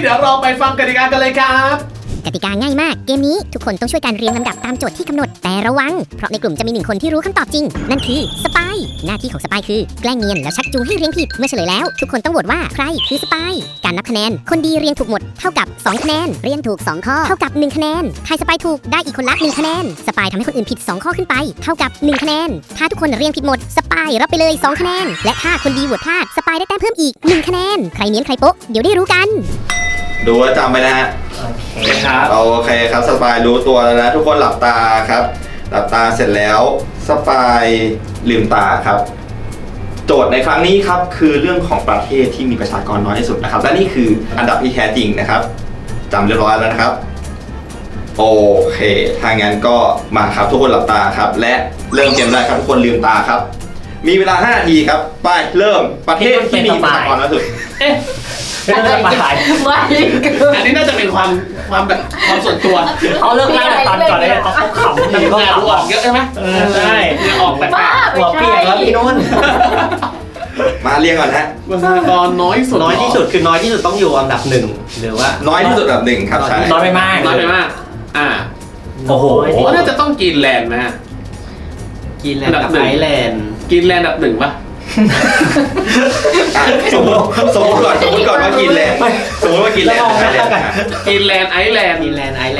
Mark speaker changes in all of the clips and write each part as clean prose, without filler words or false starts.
Speaker 1: ดี๋ยวเราไปฟังกติกากันเลยครับ
Speaker 2: กติกาง่ายมากเกมนี้ทุกคนต้องช่วยกันเรียงลำดับตามโจทย์ที่กำหนดแต่ระวังเพราะในกลุ่มจะมี1คนที่รู้คำตอบจริงนั่นคือสปายหน้าที่ของสปายคือแกล้งเนียนแล้วชักจูงให้เรียงผิดเมื่อเฉลยแล้วทุกคนต้องโหวตว่าใครคือสปายการนับคะแนนคนดีเรียงถูกหมดเท่ากับ2คะแนนเรียงถูก2ข้อเท่ากับ1คะแนนใครสปายถูกได้อีกคนละ1คะแนนสปายทำให้คนอื่นผิด2ข้อขึ้นไปเท่ากับ1คะแนนถ้าทุกคนเรียงผิดหมดสปายรับไปเลย2คะแนนและถ้าคนดีโหวตพลาดสปายได้แต้มเพิ่มอีก1คะแนนใครเนียนใครโป๊ะเดี๋ยวได้รู้กัน
Speaker 3: ดูว่าจำไปนะฮะ
Speaker 1: โอเคครับ
Speaker 3: โอเคครับสปายรู้ตัวแล้วนะทุกคนหลับตาครับหลับตาเสร็จแล้วสปายลืมตาครับโจทย์ในครั้งนี้ครับคือเรื่องของประเทศที่มีประชากรน้อยที่สุดนะครับและนี่คืออันดับที่แท้จริงนะครับจำเรียบร้อยแล้วนะครับโอเคถ้างั้นก็มาครับทุกคนหลับตาครับและเริ่มเกมได้ครับทุกคนลืมตาครับมีเวลา5 นาทีครับไปเริ่มประเทศที่มีประชากรน้อยที่สุด
Speaker 1: ไม่ต้องมาถ่ายอันนี้น่าจะเป็นความแบบความส่วนตัว
Speaker 4: เขาเลิกล่าตอนก่อนเลยเขาขำดีเขา
Speaker 1: ออกเยอะใช่ไหมใช่ออกแปลกๆ
Speaker 4: หัวเปียกแล้วพี่นุ่น
Speaker 3: มาเรียงก่อนฮะ
Speaker 1: ประชากรน้อยสุด
Speaker 4: น้อยที่สุดคือน้อยที่สุดต้องอยู่อันดับ1หรือว่า
Speaker 3: น้อยที่สุดอันดับ1ครับใช่
Speaker 4: น้อยไปมาก
Speaker 1: น้อยไปมาก
Speaker 4: โอ้โห
Speaker 1: น่าจะต้องกรีนแลนด์นะ
Speaker 4: กรีนแลนด์กับไอร์แลนด์
Speaker 1: กรีนแลนด์อันดับ1ป่ะ
Speaker 3: สมมติก่อนว่ากินแลนด์สมมติว่ากินแลนด์ไอแลนด์
Speaker 1: กินแลนด์ไอแลนด์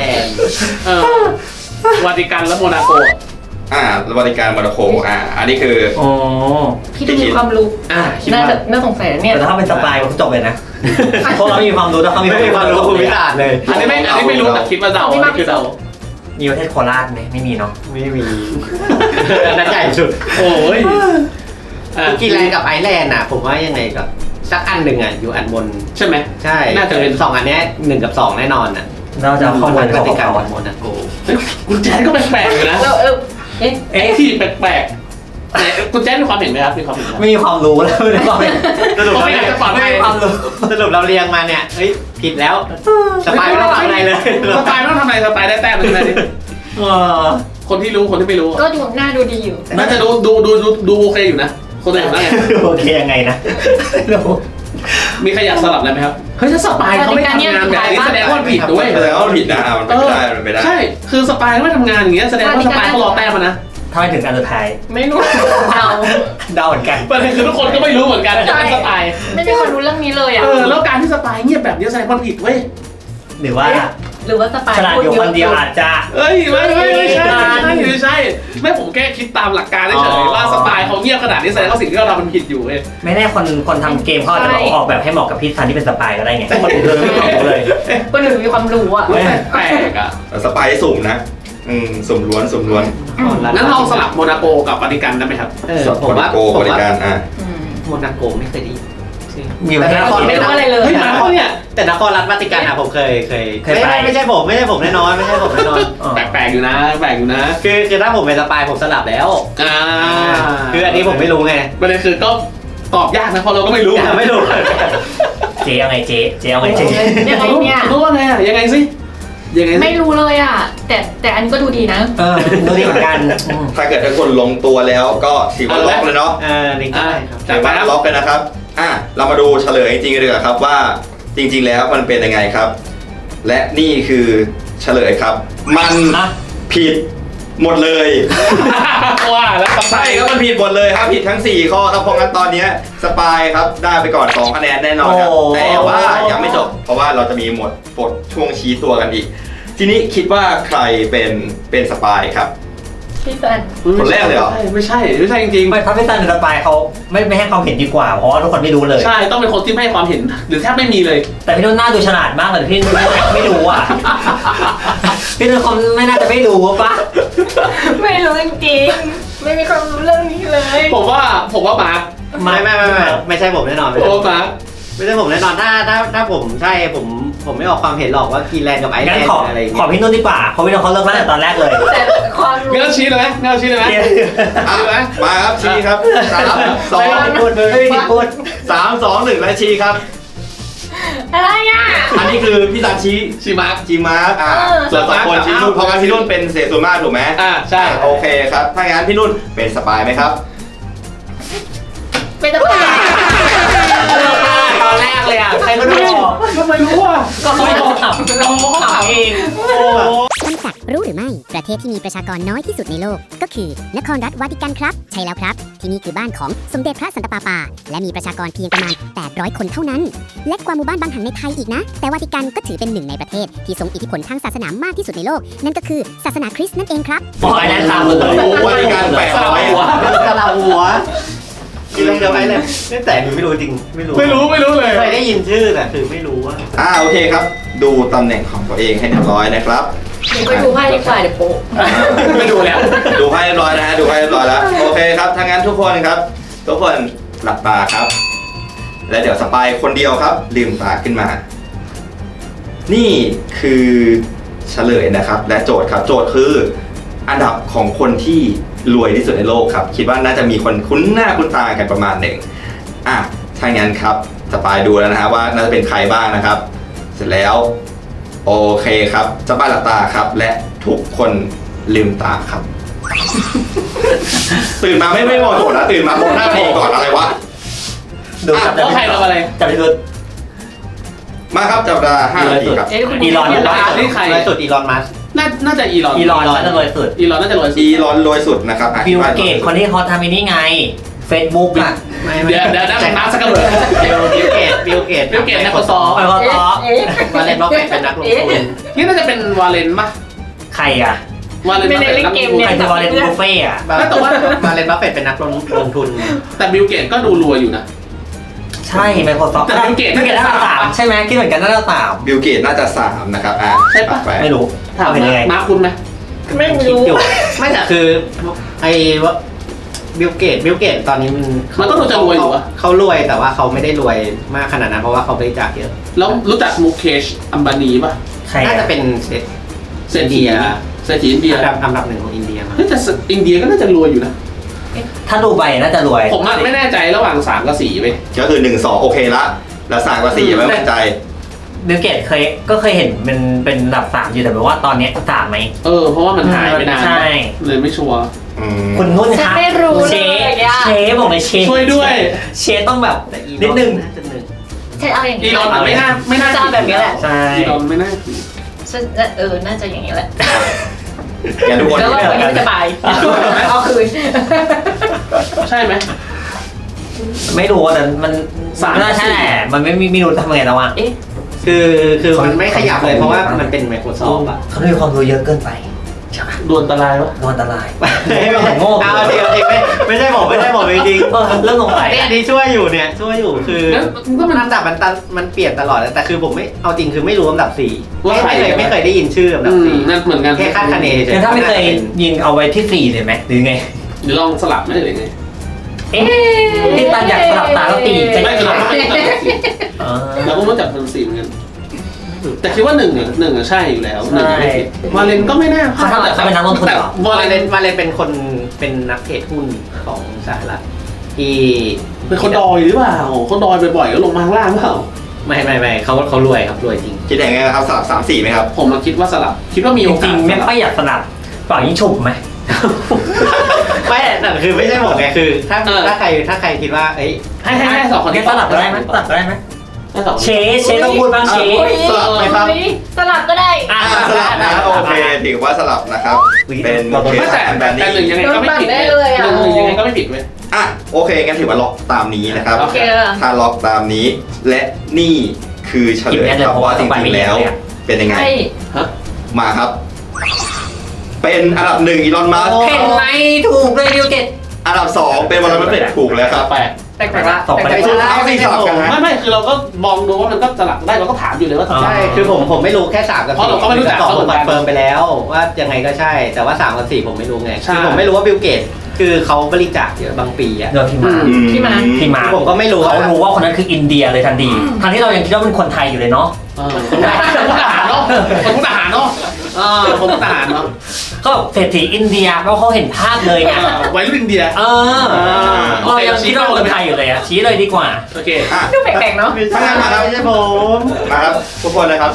Speaker 1: วาติกันและโมนาโก
Speaker 3: วาติกันโมนาโกอันนี้คือ
Speaker 5: พี่ต้องมีความรู้น่าสงสัยเนี่ย
Speaker 4: แต่ถ้าเป็นสปายก็จบเลยนะเพราะเรามีความรู้แต่เขาไม่มีความรู้ภูมิศาสตร์เลย
Speaker 1: อันนี้ไม่รู้แต่คิดว่าเดาคือเดา
Speaker 4: มีประเทศโคราชไหมไม่มีเนาะไม่มีนั่นใหญ่สุด
Speaker 1: โอ้ย
Speaker 4: กรีนแลนด์กับไอร์แลนด์ผมว่ายังไงกับสักอันหนึ่งอยู่อันบน
Speaker 1: ใช่ไหม
Speaker 4: ใช่น่าจะเป็น2อันนี้1กับ2แน่นอนเราจะข้อมูลปฏิการโมนาโก
Speaker 1: คุณแจ๊ดก็แปลกๆอยู่นะที่แปลกๆคุณแจ๊ดมีความเห็นไหมครับมีความเห็น
Speaker 4: ไม่มีความรู้แล้วไม่มีความเห็นสรุปไม่มีความรู้สรุปเราเรียงมาเนี่ยผิดแล้วสปายไม่ต้องทำอะไรเลย
Speaker 1: สปายไม่ต้องทำอะไรสปายได้แต้มเลยดิคนที่รู้คนที่ไม่รู้
Speaker 5: ก็ดูหน้าดูดีอยู่
Speaker 1: น่าจะดูโอเคอยู่นะคนอื่นว่าไง
Speaker 4: โอเคยังไงนะ
Speaker 1: มีใครอยากสลับอะไรไหมครับเฮ้ยถ้าสปายเขาไม่ทำงานแบบนี้แสดงว่าผิดด้วย
Speaker 3: แสดงว่าผิดนะมันไม่ได้
Speaker 1: ใช่คือสปายไม่ทำงานอย่างเงี้ยแสดงว่าสปายเขารอแต้มนะ
Speaker 4: ทำไมถึงการสุดท้าย
Speaker 5: ไม่รู้
Speaker 4: เดาเหมือนกัน
Speaker 1: ประเด็นคือทุกคนก็ไม่รู้เหมือนกันจะเป็นสปาย
Speaker 5: ไม่มีคนรู้เรื่องนี้เลย
Speaker 1: แล้วการที่สปายเงียบแบบนี้แสดงว่าผิดเว้ย
Speaker 4: หรือว่า
Speaker 5: สปาย
Speaker 4: ฉลาดอยู่คนเดียวอาจจะ
Speaker 1: ไม่ใช่ไม่ผมแค่คิดตามหลักการเฉยๆว่าสปายเขาเงียบขนาดนี้แสดงว่าสิ่งที่เราทำมันผิดอยู่เว้ย
Speaker 4: ไม่แน่คนทำเกมเขาอาจจะออกแบบให้เหมาะกับพี่ซันที่เป็นสปายก็ได้ไงคนอื่นไม่รู้เลย
Speaker 5: คนอื่นมีความรู้
Speaker 1: แปลก
Speaker 3: สปายสุ่มนะสุ่มล้วน
Speaker 1: งั้นลองสลับโมนาโกกับวาติกันได้ไหมครับ
Speaker 3: โมนาโกวาติกัน
Speaker 4: โมนาโกไม่เคยดี
Speaker 5: แต่นครไม่รู้อะไรเลย
Speaker 1: นครเนี่ย
Speaker 4: แต่นครรัฐวาติกันผมเคยไม่ใช่ผมแน่นอนไม่ใช่ผมแน่นอน
Speaker 1: แปลกอยู่นะ
Speaker 4: คือถ้าผมเป็นสปายผมสลับแล้วคืออันนี้ผมไม่รู้ไง
Speaker 1: ประเด็นคือก็ตอบยากนะเพราะเราก็ไม่รู้
Speaker 4: เจ๊ยังไงเจ๊ยังไงเจ๊
Speaker 5: ยังไงเนี่ย
Speaker 1: รู้ว่าไงยังไงสิ
Speaker 5: ไม่รู้เลยแต่อันก็ดูดีนะ
Speaker 4: ดูดีเหมือนกัน
Speaker 3: ถ้าเกิดทุกคนลงตัวแล้วก็ถือว่าล็อกเลยเนาะ
Speaker 4: นี่ได้ครับ
Speaker 3: ถือว่าล็อกเลยนะครับเรามาดูเฉลยจริงๆเลยครับว่าจริงๆแล้วมันเป็นยังไงครับและนี่คือเฉลยครับมันผิดหมดเลย
Speaker 1: ว่าแล้ว
Speaker 3: ใช่ครับมันผิดหมดเลยครับผิดทั้ง4ข้อครับเพราะงั้นตอนนี้สปายครับได้ไปก่อน2คะแนนแน่นอนครับแต่ว่ายังไม่จบเพราะว่าเราจะมีหมดช่วงชี้ตัวกันอีกทีนี้คิดว่าใครเป็นสปายครับ
Speaker 5: พี่ซัน
Speaker 3: คนแรกเลยเหรอ
Speaker 1: ไม่ใช่จริงๆ
Speaker 4: ไม่ถ้าพี่ซันเป็นสปายเขาไม่ให้ความเห็นดีกว่าเพราะว่าทุกคนไม่รู้เลย
Speaker 1: ใช่ต้องเป็นคนที่ไม่ให้ความเห็นหรือแทบไม่มีเลย
Speaker 4: แต่พี่นุ่นน่าดูฉลาดมากเลยพี่นุ่นไม่รู้พี่นุ่นเขาไม่น่าจะไม่รู้ป่ะ
Speaker 5: ไม่รู้จริงๆไม่มีความรู้เรื่องนี้เลย
Speaker 1: ผมว่ามาร์ค
Speaker 4: ไม่ใช่ผมแน่นอน
Speaker 1: โอ้มาร์ค
Speaker 4: ไม่ใช่ผมแน่นอนถ้าผมใช่ผมไม่ออกความเห็นหรอกว่ากรีนแลนด์กับไอร์แลนด์อะไรขอพี่นุ่นดีกว่าเพราะพี่นุ่นเขาเลิกตั้งแต่ตอนแรกเลย
Speaker 5: แต่ความรู้
Speaker 1: เงาชี้เลยไหม
Speaker 3: มาครับชี้ครับ3 2 1และชี้ครับ
Speaker 5: อะไร
Speaker 3: อันนี้คือพี่ซันชี้มาร์คส่วน2 คนชี้นุ่นเพราะงั้นพี่นุ่นเป็นเศษส่วนมากถูกไหม
Speaker 1: ใช่
Speaker 3: โอเคครับถ้างั้นพี่นุ่นเป็นสปายไหมครับ
Speaker 5: เป็นสปาย
Speaker 4: ตอนแรกเลยใครก็ดู
Speaker 1: ไมรู้อ่ะ
Speaker 4: ก็เขาถามเอง
Speaker 2: ต้นสักรู้หรือไม่ ประเทศที่มีประชากรน้อยที่สุดในโลก ก็คือนครรัฐวาติกันครับ ใช่แล้วครับ ที่นี่คือบ้านของสมเด็จพระสันตะปาปา และมีประชากรเพียงประมาณ 800 คนเท่านั้น เล็กกว่าหมู่บ้านบางแห่งในไทยอีกนะ แต่วาติกันก็ถือเป็นหนึ่งในประเทศที่ทรงอิทธิพลทางศาสนามากที่สุดในโลก นั่นก็คือศาสนาคริสต์นั่นเองครับ
Speaker 4: บอกไอ้นั่นตามเลย
Speaker 3: วาติกัน800
Speaker 4: กะลาหัวกินอะไรกับไอ้เลยแต่หนูไม่รู้จริงไม่รู้
Speaker 1: ไม่รู้เลย
Speaker 4: เคยได้ยินชื่อแต่คือไม่รู้ว่า
Speaker 3: โอเคครับ ดูตำแหน่งของตัวเองให้เรียบร้อยนะครับ
Speaker 5: เดี๋ยวไปดูไพ่ดีกว่าเดี๋ยวโป๊ะ
Speaker 1: ไม่ดูแล้ว
Speaker 3: ดูให้เรียบร้อยนะฮะดูให้เรียบร้อยแล้วโอเคครับถ้างั้นทุกคนครับ ทุกคนหลับตาครับ และเดี๋ยวสปายคนเดียวครับลืมตาขึ้นมา นี่คือเฉลยนะครับ และโจทย์ครับโจทย์คืออันดับของคนที่รวยที่สุดในโลกครับ คิดว่าน่าจะมีคนคุ้นหน้าคุ้นตากันประมาณหนึ่งถ้างั้นครับสปายดูแล้วนะฮะว่าน่าจะเป็นใครบ้างนะครับ เสร็จแล้วโอเคครับสปายหลับตาครับ และทุกคนลืมตาครับ ตื่นมาไม่มองโจทย์นะตื่นมามองหน้าตัวเองก่อนอะไรวะ
Speaker 4: ดูจับ
Speaker 1: แล้วใครทำอะไร
Speaker 4: จับไปดู
Speaker 3: มาครับจับเวลา5 นาทีครับ
Speaker 5: เอ๊ะคุณ
Speaker 4: อีลอน
Speaker 1: นี่ใคร
Speaker 4: รวยสุดอีลอนมัสก์
Speaker 1: น่าจะอีลอน
Speaker 4: อีลอนน่าจะรวยสุด
Speaker 1: อีลอนน่าจะรวยสุด
Speaker 3: อีลอนรวยสุดนะครับ
Speaker 4: บิลเกตคนที่เขาทำไอ้นี่ไง Facebook อ่ะ
Speaker 1: เดี๋ยวมาสักกระเบิด
Speaker 4: บิลเกต
Speaker 1: บิลเกต Microsoft
Speaker 4: ไปพอต่อ
Speaker 5: เอ๊ะ
Speaker 4: มาเล่นบล็อกเป็นนักลงทุน
Speaker 1: นี่น่าจะเป็นวาเลนป่ะ
Speaker 4: ใครอ่ะ
Speaker 1: วาเลน
Speaker 5: ไม่ได้เล่นเกม
Speaker 4: ใค
Speaker 5: เนี่
Speaker 4: ร
Speaker 5: ย
Speaker 4: จะมาเล่นบุฟเฟ่อะ
Speaker 1: แต่ว่า
Speaker 4: มาเล่นบัฟเฟตเป็นนักลงทุน
Speaker 1: แต่บิลเกตก็ดูรวยอยู่นะ
Speaker 4: ใช่ Microsoft
Speaker 1: แต่ Bill Gates
Speaker 4: บิลเกตน่าจะสามใช่ไหมคิดเหมือนกันน่าจะสาม
Speaker 3: บิลเกตน่าจะ3นะครับ
Speaker 1: ใช่ปะ
Speaker 3: ไป
Speaker 4: ไม่รู้
Speaker 1: ถาม
Speaker 4: เป็นยังไง
Speaker 1: มาคุณไหม
Speaker 5: ไม่
Speaker 4: คิด
Speaker 5: รู้
Speaker 4: อยู่ไม่แต่คือไอ้ว่าบิลเกตตอนนี้มัน
Speaker 1: ก็ดูจะรวยอยู่อะ
Speaker 4: เขารวยแต่ว่าเขาไม่ได้รวยมากขนาดนั้นเพราะว่าเขาบริจาคเยอะ
Speaker 1: แล้วรู้จักมุกเคชอัมบานีป่ะ
Speaker 4: น่าจะเป็น
Speaker 1: เศรษฐีอินเดีย
Speaker 4: อันดับหนึ่งของอินเดียมั้ง
Speaker 1: เฮ้ยแต่อินเดียก็น่าจะรวยอยู่นะ
Speaker 4: ถ้าดูใบน่าจะรวย
Speaker 1: ผมไม่แน่ใจระหว่าง3กับ4ไป
Speaker 3: ก็คือ1 2โอเคละแล้ว3กับ4ไม่มั่นใจ
Speaker 4: บิลเกตก็เคยเห็นเป็นอันดับ3อยู่แต่แบบว่าตอนนี้3ไหม
Speaker 1: เพราะว่ามันหายไปนาน
Speaker 4: ใช่
Speaker 1: เลยไม่ชัวร์
Speaker 4: คุณนุ่น
Speaker 5: ฉัน
Speaker 4: คะ
Speaker 5: ไม่รู้
Speaker 4: เช
Speaker 5: เลยอะ
Speaker 4: เชบอกเลยเช
Speaker 1: ช่วยด้วย
Speaker 4: เชต้องแบบนิดนึง
Speaker 5: ฉันเอาอย่าง
Speaker 1: อี
Speaker 5: นี้
Speaker 1: ลอนไม่น่า
Speaker 5: จะเอาแบบนี้แหละ
Speaker 4: ใช่
Speaker 1: อีลอนไม่น่า
Speaker 5: น่าจะอย่างนี้แหละ
Speaker 3: งั้นทุกคน
Speaker 5: แล้ววันนี้สบายเอาคืน
Speaker 1: ใช่ไหม
Speaker 4: ไม่รู้แต่มัน
Speaker 1: สาม
Speaker 4: น่าใช่แหละมันไม่รู้ทำไงแล้วอ่ะ
Speaker 5: เอ๊ะ
Speaker 4: คือมันไม่ขยับเลยเพราะว่ามันเป็น Microsoft อ่ะเขามีความรู้เยอะเกินไปใช่ไหม
Speaker 1: ดวลตรายวะ
Speaker 4: โดนอันตรายโง่เอาจริงไม่ใช่ผมจริงเรื่องสงสัยอันนี้ช่วยอยู่คือ
Speaker 1: งั้นก็มัน
Speaker 4: ลำดับมันเปลี่ยนตลอดแต่คือผมไม่เอาจริงคือไม่รู้ลำดับ4
Speaker 1: ว่าใคร
Speaker 4: ไม่เคยได้ยินชื่อลำดับ
Speaker 1: นั่นเหมือนกัน
Speaker 4: 4แค่คาดคะเนเฉย
Speaker 6: คือถ้าไม่เคยยิงเอาไว้ที่4เลยไหมหรือไง
Speaker 1: หรือลองสลับไหมหรือไง
Speaker 6: เอ๊ะที่ตันอยากสลับตาแล้วตีจะ
Speaker 1: ไม่
Speaker 6: ได้
Speaker 1: คือเราไม่ เราก็รู้จักพันสี่เหมือนกัน แต่คิดว่าหนึ่งอะใช่อยู่แล้วหนึ่งไม่ผิดวาเลนก็ไม่น่า
Speaker 6: เขาเป็นนักลงทุนเหรอ
Speaker 1: วาเลน
Speaker 4: มาเลนเป็นนักเทรดหุ้นของสหรัฐที่
Speaker 1: เป็นคนดอยหรือเปล่าเขาดอยบ่อยๆก็ลงมาข้างล่างเปล่า
Speaker 4: ไม่เขารวยครับรวยจริง
Speaker 3: คิดยังไงครับสลับ3 4ไหมครับ
Speaker 1: ผมมาคิดว่าสลับ คิดว่ามี
Speaker 6: จ
Speaker 1: โอกา
Speaker 6: ริ
Speaker 1: ส
Speaker 6: งๆไม่ค่อยอยากสนับฝั่งยิ่งฉุบไหม
Speaker 4: ไม่แต่คือไม่ใช่ผมไงคือถ้าใครคิดว่าเอ้ย
Speaker 1: ให้สองคน
Speaker 6: แค่
Speaker 1: ที่
Speaker 6: สลับก็ได้ไหมสลับก็ได้ไหม
Speaker 1: ให้สอง
Speaker 6: เชต้องพูดบ้างเช
Speaker 3: สลับไหมครับ
Speaker 5: สลับก็ได้
Speaker 3: สลับนะโอเคถือว่าสลับนะครับ เป็นเคส
Speaker 1: แต่
Speaker 3: แบบนี้
Speaker 1: หนึ่งยังไงก็ไม่ผิดหนึ่งยังไงก็ไม่ผิดเว้ย
Speaker 3: โอเคงั้นถือว่าล็อกตามนี้นะครับ
Speaker 1: โอเค
Speaker 3: ถ้าล็อกตามนี้ และนี่คือเฉลยครับว่าจริงๆแล้ว เป็นยังไง
Speaker 5: ใช่
Speaker 3: มาครับ เป็นอันดับ1อีลอนมัสก์
Speaker 6: เห็นไหมถูกเลยบิลเกต
Speaker 3: อันดับ2เป็นวอร์เรนบัฟเฟตต์ถูกแล้วครับ
Speaker 1: แปลก
Speaker 5: แปลกๆละ
Speaker 6: สองไป
Speaker 5: แปลก
Speaker 3: คือ
Speaker 5: ๆละ
Speaker 3: เอาสี่สลับกันนะ
Speaker 1: ไม่คือเราก็มองดูว่ามันก็สลับได้เราก็ถามอยู่เลยว่า
Speaker 4: ใช่คือผมไม่รู้แค่3กับ4
Speaker 1: เพราะเราก็ไม่รู้จัก
Speaker 4: 2
Speaker 1: เขาเหมื
Speaker 4: ผม
Speaker 1: อนกัน
Speaker 4: คอนเฟิร์มไปแล้วว่ายังไงก็ใช่แต่ว่า3กับ4ผมไม่รู้ไง
Speaker 1: ใช่
Speaker 4: คือผมไม่รู้ว่าบิลเกตคือเขาบริจาคเยอะบางปีอ่ะ
Speaker 6: โดนพี่มา
Speaker 5: พี่มา
Speaker 6: พี่มา
Speaker 4: ผมก็ไม่รู้
Speaker 6: เขารู้ว่าคนนั้นคืออินเดียเลยทันทีทั้งที่เรายังคิดว่าเป็นคนไทยอยู่เลยเนาะ
Speaker 1: คนมุกดาหารเนาะคนมุกดาหารเนาะคนมุกดาหารเนาะ
Speaker 6: ก็แบบเศรษฐีอินเดียเพราะเขาเห็นภาพเลยไง
Speaker 1: วัยรุ่นอินเดีย
Speaker 6: เรายังคิดว่าคนไทยอยู่เลยอะชี้เลยดีกว่า
Speaker 1: โอเค
Speaker 5: ดูแปลกๆเนาะ
Speaker 3: ถ้างั้นมาครับ
Speaker 4: ไม่ใช่ผม
Speaker 3: มาครับทุกคนนะครับ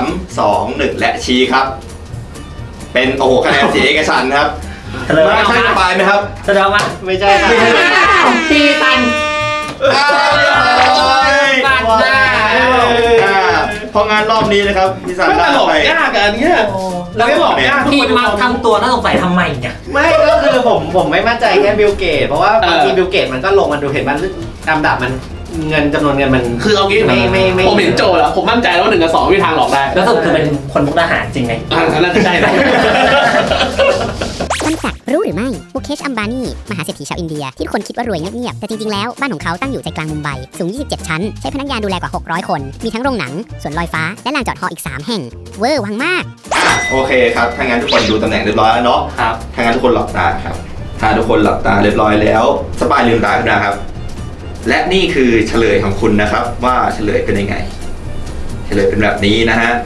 Speaker 3: 3 2 1 และชี้ครับ เป็นโอ้โหคะแนนเสียเอกฉันท์ครับ
Speaker 6: เฉลย
Speaker 3: มาใช่สปายไหมครับ
Speaker 6: แสดงว่า
Speaker 4: ไม่ใช่ครับ
Speaker 6: พี่ตัน
Speaker 3: อ้าว
Speaker 6: ตัดหน้า
Speaker 3: รอบนี้นะครับพี่ซัน
Speaker 1: ไม่แต่หลอก
Speaker 3: ไป
Speaker 1: ยากอะอันเนี้ยเราไม่หลอกยากทุก
Speaker 6: พี่
Speaker 1: คน
Speaker 6: มาทำตัวน่าสงสัยทำไมเนี่ย
Speaker 4: ไม่ก็คือผมไม่มั่นใจแค่บิลเกตเพราะว่าบางทีบิลเกตมันก็ลงมันดูเห็นมันลำดับมันเงินจำนวนเงินมัน
Speaker 1: คือเอางี้
Speaker 4: ไม่
Speaker 1: ผมเห็นโจทย์แล้วผมมั่นใจว่า1 กับ 2ไม่มีทางหลอกได้
Speaker 6: แล้วสรุปคือเป็นคนมุกดาหารจริงไหม
Speaker 1: น่าจะใช่นะ
Speaker 2: ต้นสักรู้หรือไม่มุเคชอัมบานีมหาเศรษฐีชาวอินเดียที่ทุกคนคิดว่ารวยเงียบๆแต่จริงๆแล้วบ้านของเขาตั้งอยู่ใจกลางมุมไบสูง 27 ชั้น ใช้พนักงานดูแลกว่า 600 คน มีทั้งโรงหนังสวนลอยฟ้าและลานจอดฮออีก 3 แห่ง เวอร์วังมาก
Speaker 3: โอเคครับถ้างั้นทุกคนดูตำแหน่งเรียบร้อยแล้วเนาะ
Speaker 1: ครับ
Speaker 3: ถ้างั้นทุกคนหลับตาครับถ้าทุกคนหลับตาเรียบร้อยแล้วสปายลืมตาขึ้นนะครับ และนี่คือเฉลยของคุณนะครับ ว่าเฉลยเป็นยังไง เฉลยเป็นแบบนี้นะฮะ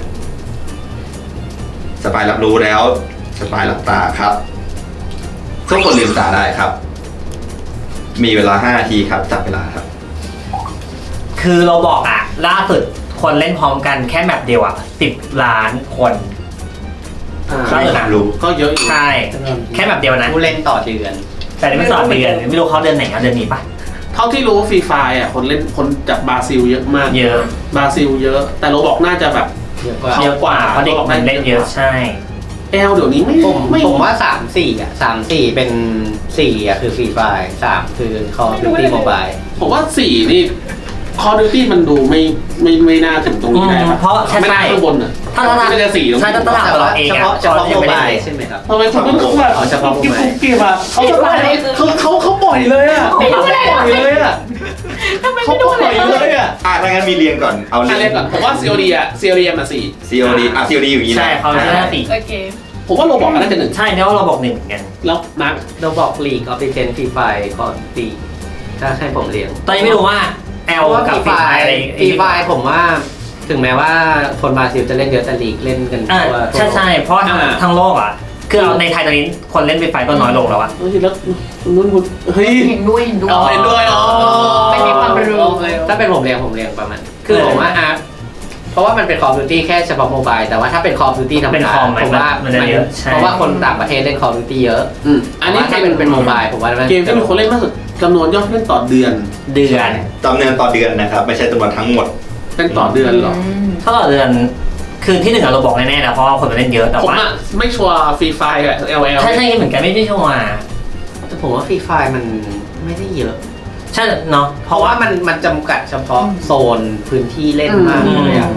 Speaker 3: สปายรับรู้แล้วสปายหลับตาครับทุกคนลืมตาได้ครับ มีเวลา5 นาทีครับจับเวลาครับ
Speaker 6: คือเราบอกอ่ะล่าสุดคนเล่นพร้อมกันแค่แมปเดียวอ่ะ10 ล้านคน ใช่
Speaker 3: รู้
Speaker 1: ก็เยอะอยู่
Speaker 6: ใช่แค่แมปเดียวนะ
Speaker 4: ผู้เล่นต่อเดือน
Speaker 6: แต่นี่ไม่สอนเดือนไม่รู้เขาเดือนไหนเอาเดือนนี้ปะ
Speaker 1: เท่าที่รู้ฟรีไฟอ่ะคนเล่นคนจากบราซิลเยอะมาก
Speaker 6: เยอะ
Speaker 1: บราซิลเยอะ แต่โรบอกน่าจะแบบ
Speaker 4: เยอะกว่า
Speaker 6: เยอะกว่าเพราะเด็กมันเล่นเยอะใช่
Speaker 1: แอลเดี๋ยวนี้ไม่
Speaker 4: ผมว่า3-4อ่ะ3-4เป็น4อ่ะคือฟรีไฟ3คือ Call of Duty Mobile
Speaker 1: ผมว่า4นี่คอร์ดิวตี้มันดูไม่น่าถึงตรงนี้ได้ปะ
Speaker 6: เพราะใช่
Speaker 1: ไม่น่าข้างบนอ่ะ
Speaker 6: ถ้า
Speaker 1: ไม่ได้4ตรง
Speaker 6: ใช่
Speaker 1: นี้
Speaker 6: ถ้าตลาดเราเอง
Speaker 4: เฉ
Speaker 6: อะ
Speaker 4: พาะ
Speaker 6: ยังไม่ได้
Speaker 4: Mobile
Speaker 6: เลย
Speaker 4: ใช่ไหมครับ
Speaker 1: ทำไมคุณต้องแบบ
Speaker 4: เอาเฉพาะ
Speaker 1: กิ๊บ
Speaker 4: Mobile
Speaker 1: กิ๊บอ่ะเขาจะมาเขาปล่อยเลยอ่ะเขาปล่อยเลยอ่ะ
Speaker 5: ทำไม
Speaker 1: เขา
Speaker 5: ไม่
Speaker 1: ป
Speaker 5: ดู
Speaker 1: ล่อย
Speaker 5: เลย
Speaker 1: เลยอ่ะ
Speaker 3: ถ้างั้นมีเรียงก่อนเอา
Speaker 1: อ่ะเรียกก่อนผมว่า COD อ่ะ COD มา4
Speaker 3: COD COD อยู่อย่างนี้นะ
Speaker 6: ใช่เขาใช่สี่
Speaker 5: โอเค
Speaker 1: ผมว่าโรบอกน่าจะ1
Speaker 6: ใช่เนี่ยว่าเราบอก1เหมือนกัน
Speaker 1: แล้วมาร์ค
Speaker 4: เราบอก League of Legends Free Fire ก่อนตีถ้าให้ผมเรียง
Speaker 6: ตอนนี้ไม่รู้ว่าแอ
Speaker 4: เพ
Speaker 6: ล
Speaker 4: ราะว่า
Speaker 6: กับ
Speaker 4: ฟรี
Speaker 6: ฟี
Speaker 4: ไฟ
Speaker 6: ไฟอะไร
Speaker 4: ฟรีไฟผมว่าถึงแม้ว่าคนบราซิลจะเล่นเยอะแต่ลีกเล่นกัน
Speaker 6: อ่า
Speaker 4: ทั่ว
Speaker 6: ใช่ใช่เพราะว่าทั้งโลกอ่ะคือเอาในไทยตอนนี้คนเล่นฟีไฟก็น้อยลงแล้วอ่ะ
Speaker 1: เฮ้ยแล้วนุ่นคุณเฮ้ย
Speaker 5: เห็นด้วยเห็นด้วย
Speaker 1: อ๋อเห็นด้วยอ๋อ
Speaker 5: ไม่มีความรู้
Speaker 4: ถ้าเป็นผมเรียงประมาณคือผมว่าอาร์ตเพราะว่ามันเป็น Call of Duty แค่เฉพาะโมบายแต่ว่าถ้าเป็น Call of Duty ธรรม
Speaker 6: เป็น
Speaker 4: ดา
Speaker 6: คอม
Speaker 4: ผมว่า
Speaker 6: มันจะเยอะใช่
Speaker 4: เพราะว่าคนต่างประเทศเล่น Call of Duty เยอะ
Speaker 1: อันนี้
Speaker 4: ถ้าเป็นโมบายผมว่ามัน
Speaker 1: เกมที่มีคนเล่นมากสุดจำนวนยอดเล่นต่อเดือน
Speaker 6: เดือน
Speaker 3: จำนวนต่อเดือนนะครับ ไม่ใช่จำนวนทั้งหมด
Speaker 1: เป็นต่อเดือนเหรอ
Speaker 6: ถ้าต่อเดือนคือที่หนึ่งอะเราบอกแน่ๆนะเพราะว่าคนมันเล่นเยอะแต่
Speaker 1: ผม
Speaker 6: ว่า
Speaker 1: อะไม่ชัวร์ฟรีไฟกับ LL
Speaker 6: ใช่ใช่เหมือนกันไม่ได้ชัวร์
Speaker 4: แต่ผมว่าฟรีไฟมันไม่ได้เยอะ
Speaker 6: ใช่เนาะเพ
Speaker 4: เพ
Speaker 6: ราะ
Speaker 4: ราะ
Speaker 6: ว่า
Speaker 4: ว่ามันจำกัดเฉพาะโซนพื้นที่เล่นมากเลยอะ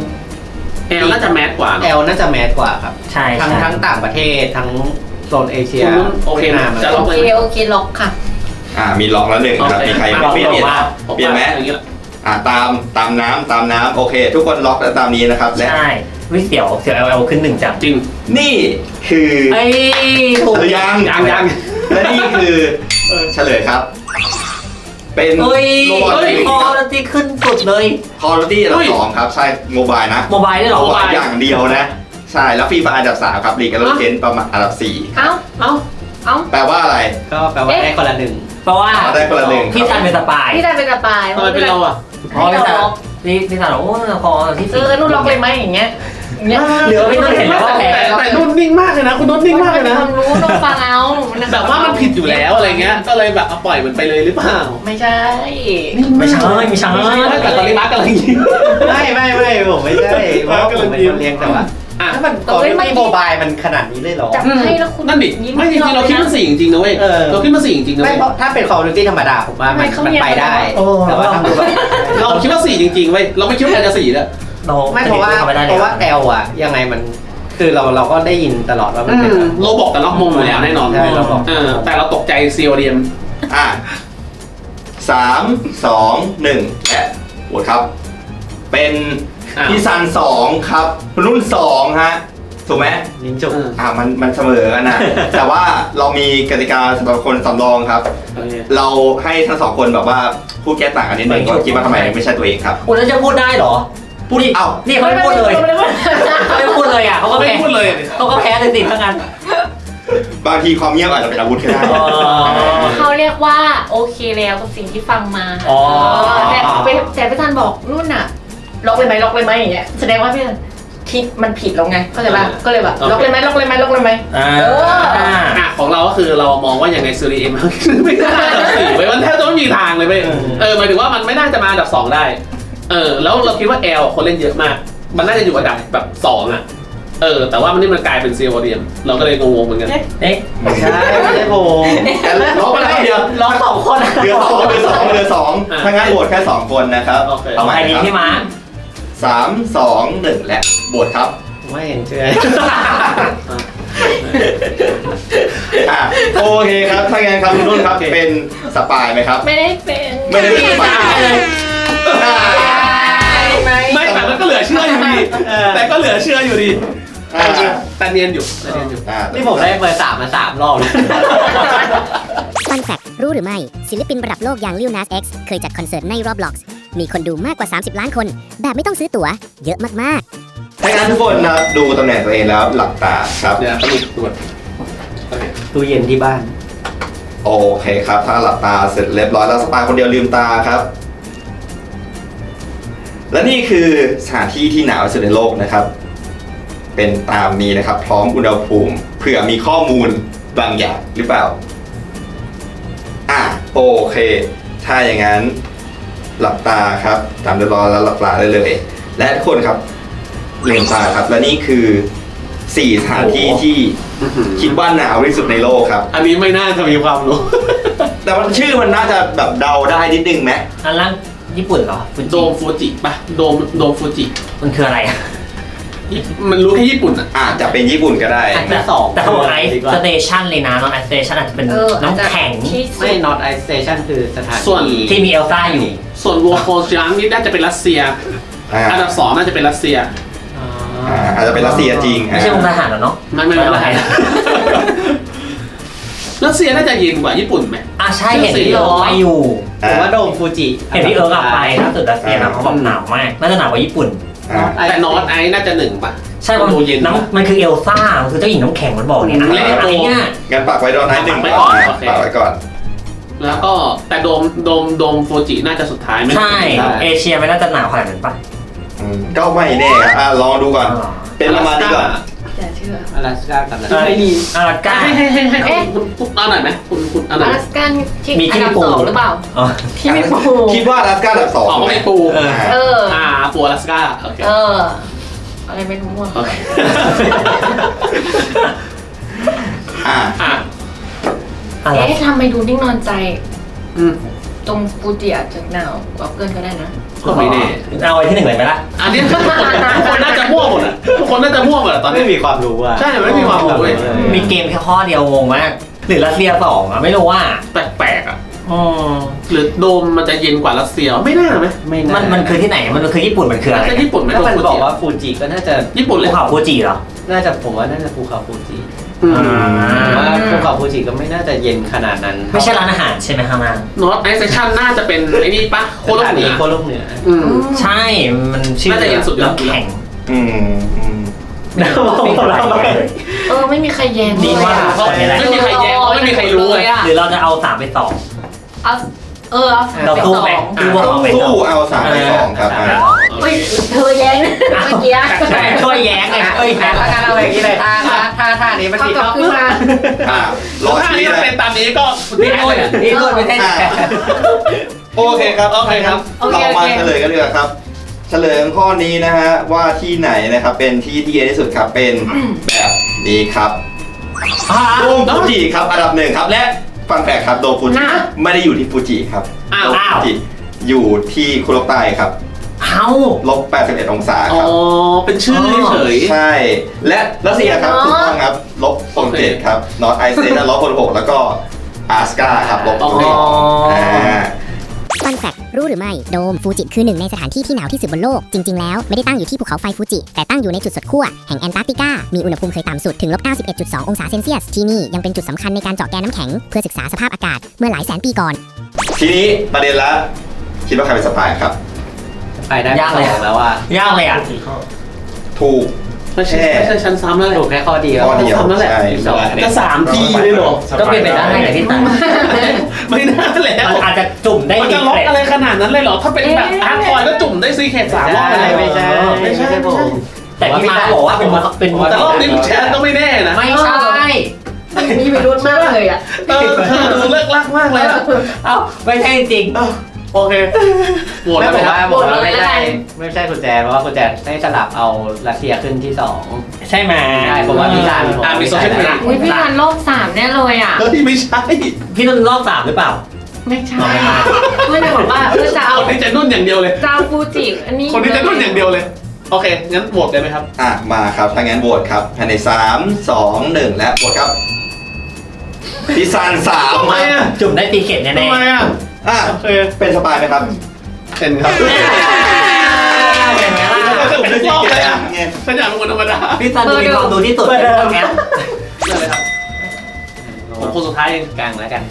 Speaker 1: L น่าจะแมสกว่า
Speaker 4: แอ
Speaker 1: เนาะ
Speaker 4: ลน่าจะแมสกว่าครับ
Speaker 6: ใช่
Speaker 4: ทั้ง
Speaker 6: ใช่
Speaker 4: ทั้งต่างประเทศทั้งโซนเอเชีย
Speaker 1: คุณนุ่นโอเคนะจะล็อก
Speaker 5: โอ
Speaker 1: เลย
Speaker 5: เค
Speaker 1: ไหม
Speaker 5: โอเคล็อกค่ะ
Speaker 3: มีล็อกแล้ว1ครับ มีใครไม่เปลี่ยนไหมเปลี่ยนไหม
Speaker 1: อย่างเงี้ย
Speaker 3: ตามน้ำโอเค ทุกคนล็อกแล้วตามนี้นะครับ และ
Speaker 6: ใช่วิเสียวเอลขึ้น1จัง
Speaker 1: จริง
Speaker 3: นี่คือ
Speaker 6: ไอ้ถูก
Speaker 3: หรือยัง
Speaker 1: ยัง
Speaker 3: และนี่คือเฉลยครับ เป็น
Speaker 6: เฮ้ย
Speaker 3: โรบอท
Speaker 6: พอแล้วที่ขึ้นสุดเลย
Speaker 3: คอร์ดิตี้อันดับ2ครับ ใช่โมบายนะ
Speaker 6: โมบายได้หรอ
Speaker 3: โมบายอย่างเดียวนะ ใช่ แล้วฟรีไฟอันดับ3ครับลีกกับเลเจนประมาณอันดับ
Speaker 5: เอ้า
Speaker 1: เอ้า
Speaker 5: เอ้า
Speaker 3: 4 แปลว่าอะไร
Speaker 4: ก็แปลว่าได้คนละหนึ่ง
Speaker 6: เพราะว่า
Speaker 3: ได้คนละ1
Speaker 6: พี่ซันเป็นสปาย
Speaker 5: พี่ได้เป็นสปาย
Speaker 1: ทำไมเป็นเราอะ
Speaker 6: เพราะพี่ซันพี่ซันบอกโอ้พอที่
Speaker 5: เออนุ่นล็อกเลยไหมอย่างเงี้ยอย่างเงี้ย
Speaker 6: เหลือไม่ต้องเห็นแล้วว่าแพ้
Speaker 1: แต่นุ่นนิ่งมากเลยนะคุณนุ่นนิ่งมากเลยนะ
Speaker 5: ความรู้ต้องฟังเอา
Speaker 1: แบบว่ามันผิดอยู่แล้วอะไรเงี้ยก็เลยแบบเอาปล่อยมันไปเลยหรือเปล่า
Speaker 5: ไม่ใช่
Speaker 6: ไม่ใช่ไม่ใช่
Speaker 1: แต่ตอนนี้มาร์กกำลังยิ้ม
Speaker 4: ไม่ผมไม่ใช่เพราะว่าผมเป็นคนเลี้ยงแต่ว่า
Speaker 1: อ่ะ
Speaker 4: ถ้ามันก่อนที่โมบายมันขนาดนี้เลยเหรอ
Speaker 5: จับให้แล้วคุณ
Speaker 1: นั่นดิไม่จริงๆเราคิดว่า4จริงๆนะเว้ย
Speaker 4: เออ
Speaker 1: เราคิดว่า4จริงๆนะ
Speaker 4: ไม่
Speaker 1: เว้ย
Speaker 4: เพราะถ้าเป็น Call of Duty ธรรมดาผมว่ามันไปได้
Speaker 6: โอ้
Speaker 4: แต่ว่าถ้าดูแบบ
Speaker 1: เราคิดว่า4จริงๆเว้ยเราไม่คิดว่าจะ4แล้ว
Speaker 4: ไม่เพราะว่าแอลอะยังไงมันคือเราก็ได้ยินตลอดว่ามันเป็น
Speaker 1: โลบอกแต่ล็อกมงอยู่แล้วแน่นอน
Speaker 4: ใช่เราบอก
Speaker 1: แต่เราตกใจ CODM
Speaker 3: อ่ะ3 2 1และโหวตครับ เป็นพี่ซัน2ครับคุณนุ่น2ฮะถูกไหม
Speaker 4: ยิงจุก
Speaker 3: มันเสมอกันนะ แต่ว่าเรามีกติกาสำหรับคนสำรองครับ เราให้ทั้ง2คนแบบว่าพูดแก้ต่างกันนิดนึงก็คิดว่าทำไมไม่ใช่ตัวเองครับ
Speaker 6: คุณจะพูดได้เหรอ พูดดิ
Speaker 3: เอ้า
Speaker 6: นี่เขาไม่พูดเลยเขาไม่พูดเลยอ่ะเขาก็
Speaker 1: ไม่
Speaker 6: แพ้
Speaker 1: พูดเลย
Speaker 6: เขาก็แพ้เลยสิทั้งนั้น
Speaker 3: บางทีความเงียบอาจจะเป็นอาวุธก็ได้
Speaker 6: อ๋อ
Speaker 5: เขาเรียกว่าโอเคแล้วกับสิ่งที่ฟังมา
Speaker 6: อ๋อ
Speaker 5: แต่พี่ธันบอกนุ่นอะล็อกเลยไหมล็อกเลยไหมอย่างเงี้ยแสดงว่าพี่ธันคิดมันผิดแล้วไงเข้าใจป่ะก็เลยแบบล็อกเลยไหมล็อกเลยไหมล็อกเลยไหม
Speaker 1: ของเราก็คือเรามองว่ายังไงซีรีส์เอ็มไม่ได้อันดับ4ไปมันแทบจะไม่มีทางเลยเว้ยหมายถึงว่ามันไม่น่าจะมาอันดับ2ได้แล้วเราคิดว่า L คนเล่นเยอะมากมันน่าจะอยู่อันดับแบบ2อ่ะแต่ว่ามันกลายเป็นซีโอเดียมเราก็เลยงงๆเหมือนกัน
Speaker 4: เอ๊ะไม่ใช่ไม่ใช่ผม
Speaker 3: ร้องไปแล้วเดียว
Speaker 4: ร้องสองคน
Speaker 3: เหลือสองถ้างั้นโหวตแค่2คนนะครับ
Speaker 1: โอเค
Speaker 3: เอาใหม่
Speaker 6: ใครดี
Speaker 3: ครับ
Speaker 6: พี่มาร์ค
Speaker 3: 3 2 1และโหวตครับ
Speaker 4: ไม่เห็นเชื่อ
Speaker 3: โอเคครับถ้างั้นครับคุณนุ่นครับเป็นสปายไหมครับ
Speaker 5: ไม่ได้เป็น
Speaker 3: ไม่ได้เป็นสปาย
Speaker 1: ไม่แต่มันก็เหลือเชื่ออยู่ดีแต่ก็เหลือเชื่ออยู่ดีแต่เนียนอยู่
Speaker 4: นี่ผมได้เบอร์3มา3รอบเลย
Speaker 2: ฟันแฟกรู้หรือไม่ศิลปินระดับโลกอย่าง Lil Nas X เคยจัดคอนเสิร์ตใน Roblox มีคนดูมากกว่า 30 ล้านคน แบบไม่ต้องซื้อตั๋วเยอะมากๆ
Speaker 3: ถ้างั้นทุกคนนะครับดูตำแหน่งตัวเองแล้วหลับตาครับ
Speaker 1: เดี๋ยวต้องมีตรวจ
Speaker 4: ตู้เย็นที่บ้าน
Speaker 3: โอเคครับ ถ้าหลับตาเสร็จเรียบร้อยแล้วสปายคนเดียวลืมตาครับ และนี่คือสถานที่ที่หนาวที่สุดในโลกนะครับ เป็นตามนี้นะครับ พร้อมอุณหภูมิเผื่อมีข้อมูลบางอย่างหรือเปล่าโอเค ถ้าอย่างนั้นหลับตาครับตามเรียบร้อยแล้วหลับตาได้เลย และทุกคนครับลืมตาครับและนี่คือ4สถานที่ที่คิดว่าหนาวที่สุดในโลกครับ
Speaker 1: อันนี้ไม่น่าจะมีความรู้
Speaker 3: แต่ว่าชื่อมันน่าจะแบบเดาได้นิดนึงไหม
Speaker 6: อันล่างญี่ปุ่นเหรอฟูจิ
Speaker 1: โดมฟูจิป่ะโดมฟูจิ
Speaker 6: มันคืออะไรอะ
Speaker 1: มันรู้แค่ญี่ปุ่นอ่ะ
Speaker 3: อาจจะเป็นญี่ปุ่นก็ได้
Speaker 4: แต่2
Speaker 6: แต่เขาบอกไอซ์สเตชันเลยนะน้องไอซ์สเตชันอาจจะเป็นน้ำแข็ง
Speaker 5: ที่สุ
Speaker 4: ไม่
Speaker 5: ด
Speaker 4: not ice station คือสถาน
Speaker 1: ส่วน
Speaker 6: ที่มีเอลซ่าอยู่
Speaker 1: ส่วนวัวโคจังนี่น่าจะเป็นรัสเซีย อันดับ2น่าจะเป็นรัสเซีย
Speaker 3: อาจจะเป็นรัสเซียจริง
Speaker 6: ไม่ใช่วงทหารหรอเนาะ
Speaker 1: ไม่ไม่รัสเซียน่าจะเย็นกว่าญี่ปุ่นไหม
Speaker 6: ใช่เห็นพี่เอิร์กไปอยู่
Speaker 4: ผมว่าโดมฟูจิ
Speaker 6: เห็นพี่เอิร์กไปล่าสุดรัสเซียนะเขาบอกหนาวมากน่าจะหนาวกว่าญี่ปุ่น
Speaker 1: แต่นอตไอน่าจะ1ป่ะ
Speaker 6: ใช่มัน
Speaker 1: ดูเย็น
Speaker 6: น้ำมันคือเอลซ่ามันคือเจ้าหญิงน้ำแข็งมันบอกเนี่ยอะไรเนี่ย
Speaker 3: งั้นปักไว้ดอนไนท์หนึ่ง
Speaker 1: ปักไว้ก่อนโอเค
Speaker 3: ปักไว้ก่อน
Speaker 1: แล้วก็แต่โดมฟูจิน่าจะสุดท้ายไม่
Speaker 6: ใช่เอเชียไม่น่าจะหนาวขนาดนั้นปะ
Speaker 3: ก็ไม่แน่ครับลองดูก่อน เป็นประมาณนี้ก่อน
Speaker 5: อย่าเชื่อ
Speaker 4: อลาสก้ากับ
Speaker 6: ไม่ดีอลาสก้า
Speaker 1: ให้คุณเอาหน่อยไหมคุณเอาหน่
Speaker 5: อ
Speaker 1: อย
Speaker 5: ลาสกันที่
Speaker 6: มีที่
Speaker 5: อันดับ
Speaker 6: ปู
Speaker 5: 2หรือเปล่า
Speaker 6: อ๋อ
Speaker 5: ที่มีปู
Speaker 3: คิดว่าอลาสก้าอันดับ
Speaker 1: ออกมา
Speaker 3: 2
Speaker 1: เป็นปู
Speaker 5: เออ
Speaker 1: ปูอลาสก้าโอเค
Speaker 5: อะไรไม่รู้อ่ะ
Speaker 1: โอเค
Speaker 6: อะไร
Speaker 5: ทำไมดูนิ่งนอนใจ
Speaker 1: อืม
Speaker 5: ตรงฟูจิอาจจะหนาวกว่าเกินก็ได้นะ
Speaker 1: ก็ไม่แน่
Speaker 6: เอาไว้ที่1เลยไหมล่ะ
Speaker 1: อันนี้ทุกคนน่าจะมั่วหมดอ่ะทุกคนน่าจะมั่วหมดอ่ะตอนนี้
Speaker 4: ไม่มีความรู้อ่ะ
Speaker 1: ใช่ไม่มีความรู้เลย
Speaker 6: มีเกมแค่ข้อเดียวงงมากหรือรัสเซีย2อ่ะไม่รู้ว่า
Speaker 1: แปลกๆอ่ะหรือโดมมันจะเย็นกว่ารัสเซียไม่น่าไหม
Speaker 4: ไม่
Speaker 6: มันคือที่ไหนมันคือญี่ปุ่นมันคืออะไร
Speaker 1: น่าจะญี่ปุ่นไหม
Speaker 4: ก็มัน
Speaker 1: ฟู
Speaker 4: บอ
Speaker 1: จิ
Speaker 4: กว่าฟูจิก็น่าจะ
Speaker 1: ญี่ปุ่นเลย
Speaker 6: ภูเขาฟูจิเหรอ
Speaker 4: น่าจะผมว่าน่าจะภูเขาฟูจิ
Speaker 1: อืม
Speaker 4: ว่าภูเขาฟูจิก็ไม่น่าจะเย็นขนาดนั้น
Speaker 6: ไม่ใช่ร้านอาหารใช่ไหมข้างล่าง
Speaker 1: นอตไอเซชั่นน่าจะเป็นไอ้นี่ปะโคโลกเหนือ
Speaker 4: โคโลกเหนือ
Speaker 6: ใช่มันชื่อ
Speaker 1: น่าจะเย็นสุดยอด
Speaker 6: น้ำแข็ง
Speaker 5: ไม่มีใครแย้ง
Speaker 6: ดีมาก
Speaker 1: เพราะไม่มีใครแย้งเพราะไม่มีใครรู้เลย
Speaker 6: หรือเราจะเอา3ไป2
Speaker 5: เอา
Speaker 6: เรา
Speaker 5: เอา
Speaker 6: สู้ไหมดูว่าเอาไป
Speaker 3: สู้เอา3ไป2ครับ
Speaker 5: เฮ้ยเธอแย้งนะเมื่อกี้
Speaker 6: ช่วยแย้งไงช่วยแย้ง
Speaker 4: ถ้าการเอาอย่างนี้เลยถ้านี้มัน
Speaker 5: เขา
Speaker 4: ผิด
Speaker 5: กลับขึ้นมา
Speaker 3: รอ
Speaker 1: ถ้า
Speaker 3: ชี้
Speaker 1: นี้
Speaker 3: เลย
Speaker 1: เป็นตามนี้ก็
Speaker 6: นี่นู่นนี่นู่นไม่ใช่
Speaker 3: โอเคครับ
Speaker 1: โอเคครับ
Speaker 3: เรามาเฉลยกันเลยครับ เฉลยข้อนี้นะฮะว่าที่ไหนนะครับเป็นที่เย็นที่สุดครับเป็นแบบนี้ครับโดมฟูจิครับอันดับ1ครับและฟันแฟกครับโดมฟูจิไม่ได้อยู่ที่ฟูจิครับ
Speaker 1: อ้าว
Speaker 3: โดมฟูจิอยู่ที่คุโรใต้ครับ
Speaker 6: เอ้า
Speaker 3: -81 องศา
Speaker 1: อ๋
Speaker 3: ค
Speaker 1: อ
Speaker 3: รับ
Speaker 1: เป็นชื่อเฉย
Speaker 3: ใช่ และรัสเซียครับถูกต้องครับ-7ครับนอตไอเซน-6แล้วก็อาสกาครับ-1
Speaker 2: ฟันแฟกรู้หรือไม่โดมฟูจิคือหนึ่งในสถานที่ที่หนาวที่สุดบนโลกจริงๆแล้วไม่ได้ตั้งอยู่ที่ภูเขาไฟฟูจิแต่ตั้งอยู่ในจุดสุดขั้วแห่งแอนตาร์กติกามีอุณหภูมิเคยต่ำสุดถึง-91.2 องศาเซนเซียสที่นี่ยังเป็นจุดสำคัญในการเจาะแกนน้ำแข็งเพื่อศึกษาสภาพอากาศเมื่อหลายแสนปีก่อน
Speaker 3: ทีนี้ประเด็นละคิดว่าใครเป็นสปายครับ
Speaker 4: ไปได้2แล้วอ่ะ
Speaker 6: ยากเลยอ่ะ
Speaker 3: ถูก
Speaker 1: ๆไม่ใช่ชั้นซ้ำแล้วแหละ
Speaker 4: ถูกแค่ข้อเดียว
Speaker 3: ข้อเดียว
Speaker 1: ซ้ำแล้วแหละ
Speaker 3: ใช่
Speaker 1: จะ3 ทีเลยเหรอ
Speaker 6: ก็เป็นไปได้ไงพี่ตัน
Speaker 1: ไม่น่าแล้ว
Speaker 6: มันอาจจะจุ่มได้
Speaker 1: มัน
Speaker 6: ดี
Speaker 1: จะล็อกอะไรขนาดนั้นเลยเหรอถ้าเป็นแบบอาร์คอยก็จุ่มได้ซีเคท3 รอบอะไร
Speaker 4: ไม่ใช่ผม
Speaker 6: แต่พี่มาบอกว่าเป็น
Speaker 1: แต่รอบนี้แชร์ก็ไม่แน่นะ
Speaker 6: ไม่ใช่
Speaker 5: มีวิรุธมากเลยอ่ะ
Speaker 1: เธอดูเลิกลักมากเลยอะ
Speaker 6: เอ้าไม่ใช่จริง
Speaker 1: โอเคโหวต
Speaker 4: ไม่
Speaker 1: แล้ว
Speaker 4: ผ
Speaker 1: ไหม
Speaker 4: ม
Speaker 1: ครับ
Speaker 4: ว่าไม่ใช่คุณแจนเพราะว่าคุณแจนให้สลับเอารัสเซียขึ้นที่2
Speaker 6: ใช่ไหม
Speaker 4: ใช่ผมว่าพี่ซัน
Speaker 1: มีโซเชียลมีเดีย
Speaker 5: อุ้ยพี่ทันโลก3แน่เลยอ่ะ
Speaker 1: เฮ้ยไม่ใช่
Speaker 6: พี่นุ่นรอบ3หรือเปล่า
Speaker 5: ไม่ใช่ไม่ได้บอกว่าจะเอา
Speaker 1: คนที่จะนุ่นอย่างเดียวเลย
Speaker 5: เจ้าฟูจิอันนี้
Speaker 1: คนที่จะนุ่นอย่างเดียวเลยโอเคงั้นโหวตได้ไหมครับ
Speaker 3: มาครับถ้างั้นโหวตครับภายใน3 2 1และโหวตครับพี่ซัน3
Speaker 1: ทำไมอ่ะ
Speaker 6: จุ่มได้ตีเข็ดแน่
Speaker 1: ทำไมอ่ะ โอเค
Speaker 3: เป็นสปายไหมครับ
Speaker 1: เป็นครับ
Speaker 6: ๆเห็นไหมล่ะ
Speaker 1: ผมไม่ชอบเลยอ่ะฉันอยากเป็นคนธรรมดา
Speaker 6: พี่ซันดูมีความรู้ที่สุดในพวกเนี้ย
Speaker 1: เรื่องอะไรครับผมคนสุดท้ายเอง
Speaker 4: กลางแล้วกัน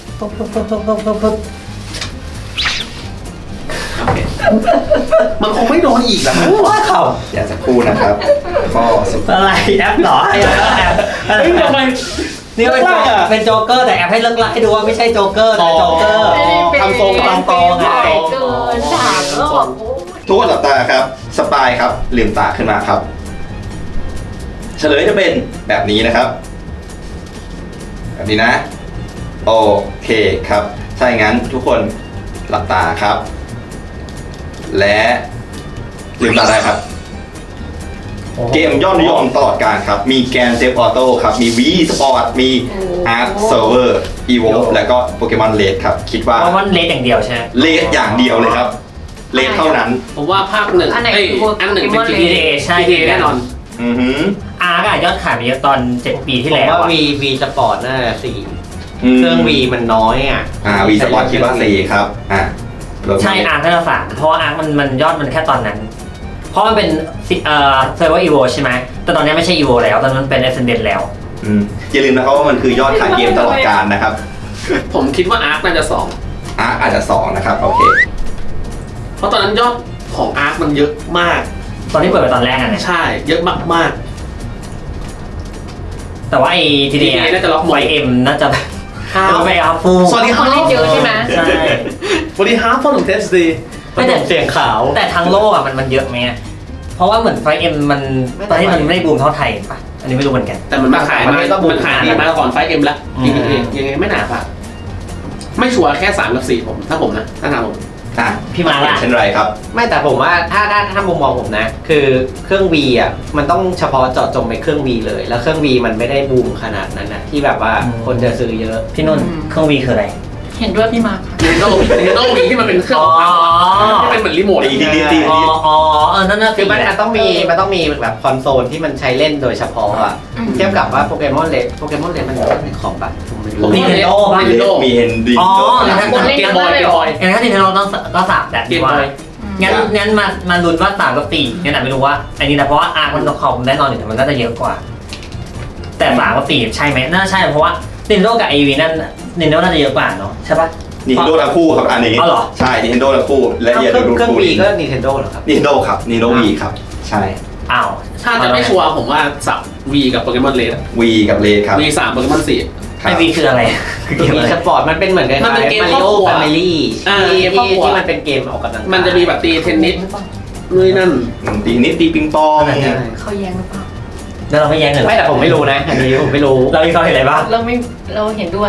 Speaker 1: โอเคมันคงไม่โดนอีกแล้ว
Speaker 6: ว่าเขา
Speaker 3: เดี๋ยวสักครู่นะครับข้อสุด
Speaker 6: อะไรแอปเหรอไอ้แอป
Speaker 1: เฮ้ยทำไม
Speaker 6: นี่เป็นโจ๊กเกอร์แต่แอปให้เลิกไล่ให้ดูว่าไม่ใช่โจ๊กเกอร์แต่โจ๊กเกอร์
Speaker 1: ทำทรง
Speaker 6: ทำทรงไง
Speaker 5: เกิน3รอบ
Speaker 3: ทุกคนหลับตาครับสปายครับลืมตาขึ้นมาครับ เฉลยจะเป็นแบบนี้นะครับ แบบนี้นะ โอเคครับถ้าอย่างนั้นทุกคนหลับตาครับ และลืมตาได้ครับ เกมยอดนิยมตลอดกาลครับ มีแกนเซฟออโต้ครับ มี Wii Sport มี Ark Server Evolve แล้วก็โปเกมอนเลดครับ คิดว่า
Speaker 6: เพราะมันเลสอย่างเดียวใช่ไหม
Speaker 3: เลดอย่างเดียวเลยครับ เลดเท่านั้น
Speaker 1: ผมว่าภาคหนึ่ง
Speaker 5: อันไหน
Speaker 1: เอ้ย
Speaker 5: คือ
Speaker 1: อันหนึ่งเป็น
Speaker 5: Pokemon
Speaker 1: GTA
Speaker 6: ใช่
Speaker 1: GTA แน่นอน
Speaker 3: อือหือ
Speaker 6: อาร์กยอดขายไปเยอะตอน 7 ปีที่
Speaker 4: ผม
Speaker 6: แล้ว
Speaker 4: ว่า
Speaker 6: อะ
Speaker 4: วีสปอร์ตน่าจะ4เครื่องวีมันน้อยอ่ะ
Speaker 3: วีสปอร์ตคิดว่า4ครับรถ
Speaker 6: ใช่อาร์กน่าจะ3เพราะว่าอาร์กมันยอดมันแค่ตอนนั้น เพราะมันเป็นเซอร์เวอร์อีโวใช่ไหมแต่ตอนนี้ไม่ใช่อีโวแล้วตอนนั้นมันเป็นเอเซนเดนแล้ว
Speaker 3: อย่าลืมนะครับว่ามันคือยอดขายเกมตลอดกาลนะครับ
Speaker 1: ผมคิดว่าอาร์คน่าจะสอง
Speaker 3: อาจจะ2นะครับโอเค
Speaker 1: เพราะตอนนั้นยอดของอาร์คมันเยอะมาก
Speaker 6: ตอนที่เปิดไปตอนแรกอะเนี่ย
Speaker 1: ใช่ เยอะมาก
Speaker 6: แต่ว่าไอ้ทีเดีย
Speaker 1: น่าจะล็อกหม
Speaker 6: ไว
Speaker 1: ด
Speaker 6: เอ็มน่าจะ
Speaker 1: ครั
Speaker 6: ไป
Speaker 1: บ
Speaker 6: เอาฟู
Speaker 1: สวัสดีค
Speaker 5: เขา
Speaker 1: รับ
Speaker 5: เล่นเยอะใช่ไหม
Speaker 6: ใช่
Speaker 1: สวัสดีครับพ่อหนุ่มเทสดี
Speaker 6: ไม่แต่
Speaker 4: เสียงขาว
Speaker 6: แต่ทางโลกอะมันเยอะไหมอะเพราะว่าเหมือนไฟเอ็มมันตอนที่มันไม่ได้บูมเท่าไทยปะอันนี้ไม่รู้เหมือนกัน
Speaker 1: แต่มันมาขายมันขายดีมาก่อนไฟเอ็มแล้ว
Speaker 6: อืม
Speaker 1: ยังไงไม่หนาป่ะไม่ชัวร์แค่3 กับ 4ผมถ้าผมนะถ้าถามผม
Speaker 6: พี่มาล่ะ
Speaker 3: เช่นไรครับ
Speaker 4: ไม่แต่ผมว่าถ้ามุมมองผมนะ คือเครื่อง V อ่ะมันต้องเฉพาะเจาะจงไปเครื่อง V เลย แล้วเครื่อง V มันไม่ได้บูมขนาดนั้นนะที่แบบว่าคนจะซื้อเยอะ
Speaker 6: พี่นุ่นเครื่องวีคืออะไร
Speaker 5: เห็นด้วยพี่มาร์ค
Speaker 1: Nintendo Wii ที่มันเป็นเครื่องที่เป็นเหมือนรีโมท
Speaker 3: ตี
Speaker 6: อ๋อนั่นน่ะ
Speaker 4: คือมันต้องมีแบบคอนโซลที่มันใช้เล่นโดยเฉพาะอ่ะเทียบกับว่าโปเกมอนเลดมันอยู่ในคอมปะผมไม่รู้
Speaker 6: นี่เทนโดบ้าง
Speaker 1: Nintendo
Speaker 3: มีเฮนดี
Speaker 6: อ๋อ
Speaker 5: คนเล่น
Speaker 1: เก
Speaker 5: กั
Speaker 1: ม
Speaker 5: น
Speaker 1: บอย
Speaker 5: ได้
Speaker 1: เก
Speaker 5: เลย
Speaker 1: ม
Speaker 5: เหร
Speaker 1: บ
Speaker 5: อ
Speaker 1: อย
Speaker 6: งั้นถ้าเทนโดต้อง3แบบ
Speaker 1: เก
Speaker 6: ดี
Speaker 1: ม
Speaker 6: กว่า
Speaker 1: บอย
Speaker 6: งั้นมาลุ้นว่า3กับ4งั้นไม่รู้ว่าอันนี้นะเพราะว่าอาร์มันคอมแน่นอนอยู่แต่มันน่าจะเยอะกว่า แต่3กับ4ใช่ไหมน่าใช่เพราะว่า Nintendo กับ AV นั่น Nintendo น่าจะเยอะกว่าเนาะใช่ปะ
Speaker 3: Nintendo ทั้งคู่ครับอันนี้
Speaker 6: อ๋อเหรอ
Speaker 3: ใช่ Nintendo ทั้งคู่และอย่า
Speaker 4: เค
Speaker 3: ดู
Speaker 4: รื่อง
Speaker 3: คู่
Speaker 4: V ก็ Nintendo เหรอครับ
Speaker 3: Nintendo ครับ Nintendo V ครับ ใช่
Speaker 6: อ้าว
Speaker 1: ถ้าจะไม่ชัวร์ผมว่าสับ V กับโปเกมอนเลด
Speaker 3: V กับเลครับ
Speaker 1: V 3โปเกมอน4
Speaker 3: ครับ
Speaker 6: AV คืออะไรคือเกม
Speaker 4: มี
Speaker 6: อะไร
Speaker 4: สปอร์ตมันเป็นเหมือนกัน
Speaker 1: มันเป็นเกม
Speaker 4: มา
Speaker 1: คร
Speaker 4: ริ
Speaker 1: อบ
Speaker 4: โอ
Speaker 1: ครัว
Speaker 4: แฟมิลี่
Speaker 1: เกมครอบครัว
Speaker 4: ที่มันเป็นเกมออกกำลังกาย
Speaker 1: มันจะมีแบบตีเทนนิสนู่นนั่น
Speaker 3: ตีนิดตีปิงปอง
Speaker 5: เขาแย้งหรือเปล่า
Speaker 6: แล้วเราไม่แย้งเลยเหรอ
Speaker 4: ไม่แต่ผมไม่รู้นะอันนี้ผมไม่รู้
Speaker 6: เรามีความเห็นอะไรบ้าง
Speaker 5: เราเห็นด้วย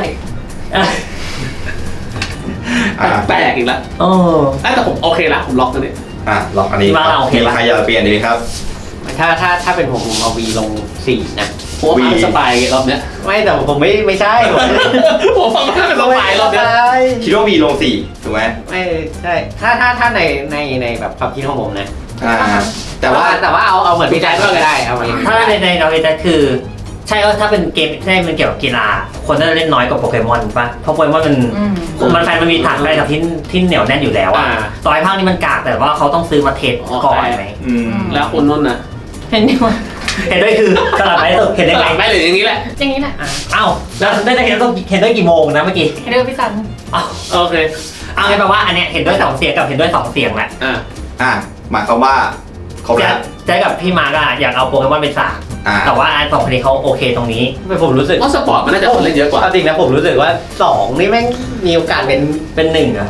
Speaker 1: แปลกอีกแล้ว
Speaker 6: โอ้
Speaker 1: แต่ผมโอเคละผมล็อกตัวนี้
Speaker 3: ลองอันนี้
Speaker 6: ว่าเราโอเค
Speaker 3: มี
Speaker 6: ปะ
Speaker 3: ใครอยากเปลี่ยนดีไหมครับ
Speaker 4: ถ้าเป็นผมเอา V ลง4นะ
Speaker 1: ผมว่าเป็นสปายรอบเนี้ย
Speaker 4: ไม่แต่ผมไม่ใช่ผม
Speaker 1: ผมฟังว่าเป็นสปายรอบเนี้ย
Speaker 3: คิดว่า V ลง4ถูกไหม
Speaker 4: ไม่ใช่ถ้าในแบบความคิดของผมนะ
Speaker 3: แต่
Speaker 4: แต่
Speaker 3: ว่า
Speaker 4: ว่าเอาเหมือนพี่แจ๊คก็ได้เอาอย่างนี้
Speaker 6: ถ้าในเราจะคือ ใช่ว่าถ้าเป็นเกมที่มันเกี่ยวกับกีฬาคนน่าจะเล่นน้อยกว่าโปเกมอนป่ะเพราะโปเกมอนมันแฟนมันมีฐานอะไรกับที่เหนียวแน่นอยู่แล้วอ่ะต่อให้ภาคนี้มันกากแต่ว่าเขาต้องซื้อมาเทสก่อนไหม
Speaker 1: แล้วคุณนุ่นนะ
Speaker 5: เห็นด้วย
Speaker 6: เห็นด้วยคือสลับไปสุดเห็นได้
Speaker 1: ห
Speaker 6: ไง
Speaker 1: ลังได้หรืออย่างนี้แหละ
Speaker 5: อย่างนี้แหละ
Speaker 6: อ้าวแล้วได้เห็นต้องเห็นด้วยกี่โมงนะเมื่อกี้
Speaker 5: เห็นด้วยพี่ซัน
Speaker 6: อ้าว
Speaker 1: โอเค
Speaker 6: เอางั้นแปลว่าอันเนี้ยเห็นด้วย2เสียงกับเห็นด้วย2เสียงแหละ
Speaker 3: หมายความว่าครบแล้ว
Speaker 6: แจ๊กับพี่มาร์กอยากเอาโปเกมอนเป็น3แต่ว่าอัน2คนนี้เขาโอเคตรงนี้
Speaker 4: ไม่ผมรู้สึก
Speaker 1: ว่าสปอร์ตมันน่าจะคนเล่นเยอะกว่า
Speaker 4: จริงนะผมรู้สึกว่า2นี่แม่งมีโอกาสเป็น
Speaker 6: เป็น1อ่ะ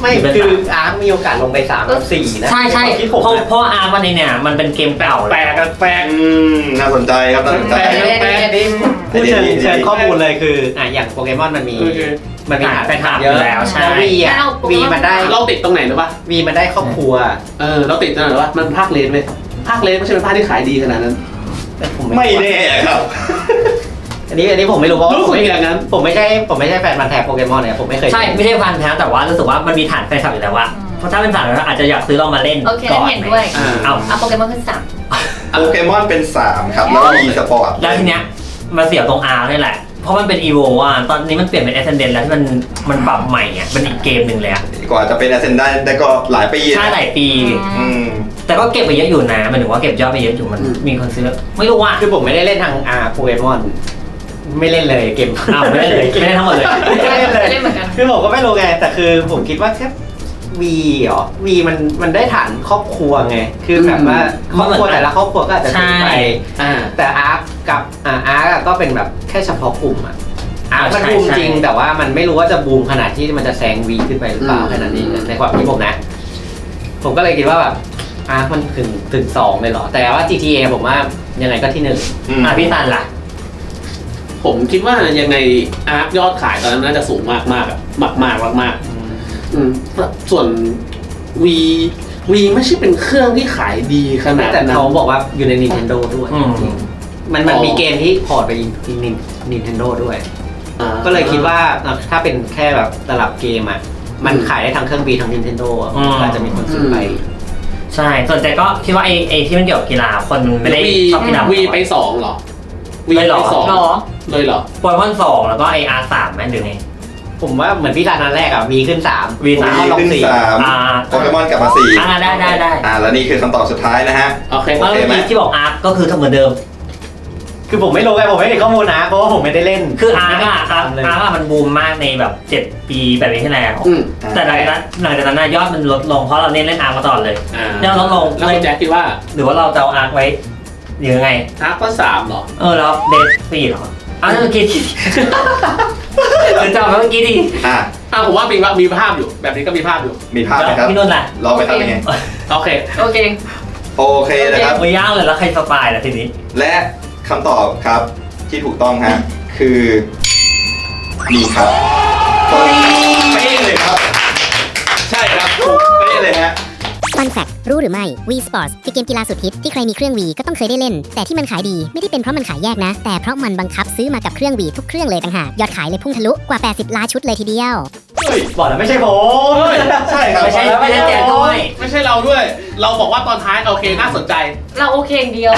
Speaker 4: ไม่คืออาร์คมีโอกาสลงไป3กับ4นะ
Speaker 6: ใช่ใช่
Speaker 4: ที่ผม
Speaker 6: เพราะอาร์มันเนี่ยมันเป็นเกมเก่า
Speaker 1: แปลกกันแปลก
Speaker 3: น่าสนใจครับน่าสนใจ
Speaker 4: พูดเชิงข้อมูลเลยคืออย่างโปเกมอนมันมีฐานแฟนคลับเยอะ
Speaker 6: แล้วใช่
Speaker 4: แล้ววีมันได้
Speaker 1: เราติดตรงไหนหรือปะ
Speaker 4: วีมันได้ครอบครัว
Speaker 1: เราติดตรงไหนหรือปะมันภาคเลนเลยภาคเลนไม่ใช่เป็นภาคที่ขายดีขนาดนั้น
Speaker 3: ไม่แน่ครับ
Speaker 4: อันนี้ผมไม่รู้เพราะ
Speaker 1: รู้สึกอย่างนั้น
Speaker 4: ผมไม่ใช่แฟนพันธุ์แท้โปเกมอนเนี่ยผมไม่เคย
Speaker 6: ใช่ไม่ใช่พันแท้แต่ว่ารู้สึกว่ามันมีฐานแฟนคลับอยู่แล้วว่าเพราะถ้าเป็นฐานแล้วอาจจะอยากซื้อลองมาเล่น
Speaker 5: โอเค
Speaker 6: ก่อน
Speaker 5: เห็นด้วย
Speaker 6: เอา
Speaker 5: เอาโปเกมอนขึ้น
Speaker 3: โปเกมอนเป็น 3 ครับ แล้วมีสปอร์ต
Speaker 6: แล้วทีเนี้ยมาเสียบตรง R นี่แหละ เพราะมันเป็น EVO อ่ะตอนนี้มันเปลี่ยนเป็น Ascendant แล้วที่มันปรับใหม่อ่ะมันอีกเกมหนึ่งเลยอ่ะ
Speaker 3: กว่าจะเป็น Ascendant ได้ก็หลายปี
Speaker 6: ใช่หลายปี
Speaker 3: อืม
Speaker 6: แต่ก็เก็บไปเยอะอยู่นะหมันถึงว่าเก็บยอดไปเยอะอยู่มันมีคนซื้อไม่รู้ว่า
Speaker 4: คือผมไม่ได้เล่นทางโปเกมอนไม่เล่นเลยเกม
Speaker 6: อ้าวไม่ได้เลยไม่ได้ทั้งหมดเลย
Speaker 5: 3ไม่เล่นเหมือนกัน
Speaker 4: คือผมก็ไม่รู้ไงแต่คือผมคิดว่าแค่วีวีมันได้ฐานครอบครัวไงคือแบบว่าครอบครัวแต่ละครอบครัวก็อาจจะซื้อไปแต่อาร์คกับอาร์คก็เป็นแบบแค่เฉพาะกลุ่มอาร์คมันบูมจริงแต่ว่ามันไม่รู้ว่าจะบูมขนาดที่มันจะแซงวีขึ้นไปหรือเปล่าแค่นั้นเองในความคิดผมนะผมก็เลยคิดว่าแบบอาร์คมันถึง2เลยเหรอแต่ว่า GTA ผมว่ายังไงก็ที่1
Speaker 6: พี่ตันล่ะ
Speaker 1: ผมคิดว่ายังไงอาร์คยอดขายตอนนั้นน่าจะสูงมากมากส่วนวีไม่ใช่เป็นเครื่องที่ขายดีขนาด
Speaker 4: แต่
Speaker 1: นั้น
Speaker 4: เขาบอกว่าอยู่ใน Nintendo ด้วยมันมีเกมที่พอร์ตไป Nintendo ด้วยก็เลยคิดว่าถ้าเป็นแค่แบบตลับเกมมันขายได้ทั้งเครื่อง V ทั้ง Nintendo ก็จะมีคนซื้อไป
Speaker 6: ใช่ส่วนใจก็คิดว่าไอ้ที่มันเกี่ยวกับกีฬาคนไม่ได้ชอบกีฬา
Speaker 1: วีไป2หรอวีไป2เลยเหรอ
Speaker 6: โปเกมอน2แล้วก็ไอ้ R3 แม่นหรือไง
Speaker 4: ผมว่าเหมือนพี่รันนันแรกV ขึ้น3
Speaker 6: V 3
Speaker 3: ก็ลง4โปเกมอนกลับมา4
Speaker 6: ได้
Speaker 3: แล้วนี่คือคำตอบสุดท้ายนะฮะ
Speaker 1: โอเค
Speaker 6: แล้วที่บอก R ก็คือเหมือนเดิม
Speaker 4: คือผมไม่รู้ไงผมไม่ได้ข้อมูลนะเพราะว่าผมไม่ได้เล่น
Speaker 6: คืออาร์มันบูมมากในแบบ7 ปีแบบนี้ที่แล้วแต่หลังจากนั้นยอดมันลดลงเพราะเราเล่นอาร์มาตลอดเลยยอดลดลง
Speaker 1: แล้วแจ็คคิดว่า
Speaker 6: หรือว่าเราจะเอาอาร์ไว้ยังไง
Speaker 1: อาร์ก็3หรอ
Speaker 6: แล้วเดท4หรอเมื่อกี้หรือจะเอาเมื่อกี้ดิ
Speaker 1: ผมว่ามีภาพอยู่แบบนี้ก็มีภาพอยู่
Speaker 3: มีภาพไหมครับ
Speaker 6: พี่นุ่นแหละ
Speaker 3: เราไปทำยังไง
Speaker 1: โอเค
Speaker 3: นะครับ
Speaker 6: ไม่ยากเลยแล้วใครสปายล่ะทีนี้
Speaker 3: และคำตอบครับที่ถูกต้องฮะคือนี่ครับเป๊ะเลยครับใช่ครับถูกเป๊ะเลยฮะ
Speaker 2: Fun Fact รู้หรือไม่ Wii Sports คือเกมกีฬาสุดฮิตที่ใครมีเครื่อง Wii ก็ต้องเคยได้เล่นแต่ที่มันขายดีไม่ได้เป็นเพราะมันขายแยกนะแต่เพราะมันบังคับซื้อมากับเครื่อง Wii ทุกเครื่องเลยต่างหากยอดขายเลยพุ่งทะลุกว่า80ล้านชุดเลยทีเดียว
Speaker 4: บอกแล้วไม่ใช่ผม
Speaker 3: ใช่ครับ
Speaker 6: ไม่ใช่แจกด้วย
Speaker 1: ไม่ใช่เราด้วยเราบอกว่าตอนท้ายโอเคน่าสนใจ
Speaker 5: เราโอเคอย่างเดียว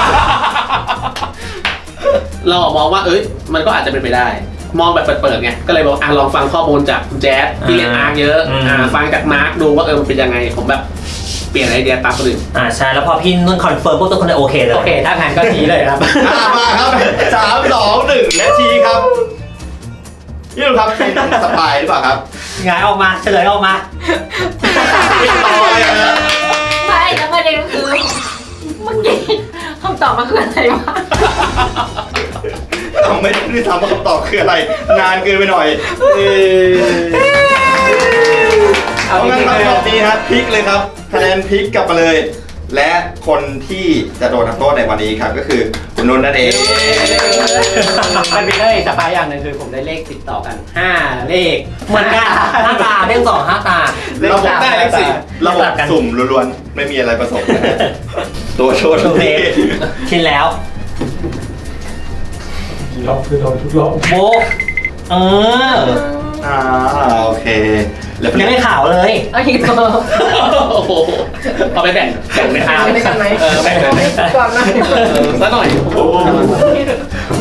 Speaker 1: เรามองว่ามันก็อาจจะเป็นไปได้มองแบบเปิดๆไงก็เลยบอกลองฟังข้อมูลจากแจ๊สที่เล่นอาร์เยอะฟังจากมาร์คดูว่ามันเป็นยังไงผมแบบเปลี่ยนไอเดียตามคนอื่น
Speaker 6: ใช่แล้วพอพี่นุ่นคอนเฟิร์มพวกทุกคนเลยโอเคเลย
Speaker 4: โอเคถ้างั้นก็ชี้เลยครับ
Speaker 3: มาครับ3 2 1และชี้ครับนี่ดูครับเป็นสปายหรือเปล่าครับ
Speaker 6: งายออกมาเฉลยออกมา
Speaker 5: ไม่แล้วประเด็นคือเมื่อกี้คำตอบมันคืออะไรวะ
Speaker 3: เราไม่ได้ถามว่าคำตอบคืออะไรนานเกินไปหน่อยเอางั้นคำตอบนี้ครับพลิกเลยครับคะแนนพลิกกลับมาเลยและคนที่จะโดนทำโทษในวันนี้ครับก็คือคุณนุ่นนั่นเอง
Speaker 4: มันมีได้สปายอย่างหนึ่งคือผมได้เลขติดต่อกัน5เลข
Speaker 6: เหมือนกัน5 ตาเลข2 5 ตา
Speaker 3: เราได้เลข4ระบบสุ่มล้วนๆไม่มีอะไรผสมตัวโชว์ทุกที
Speaker 6: ชินแล้ว
Speaker 1: กี่รอบคือเราทุกรอบ
Speaker 6: โบ
Speaker 3: โอเค
Speaker 6: ยังไม่ข่าวเลย
Speaker 5: เอาอีกตัว
Speaker 1: เอาไปแบ่งในทาง
Speaker 5: ด้วยกันไหม
Speaker 1: แบ่งก่อนหน่อยสักหน่อย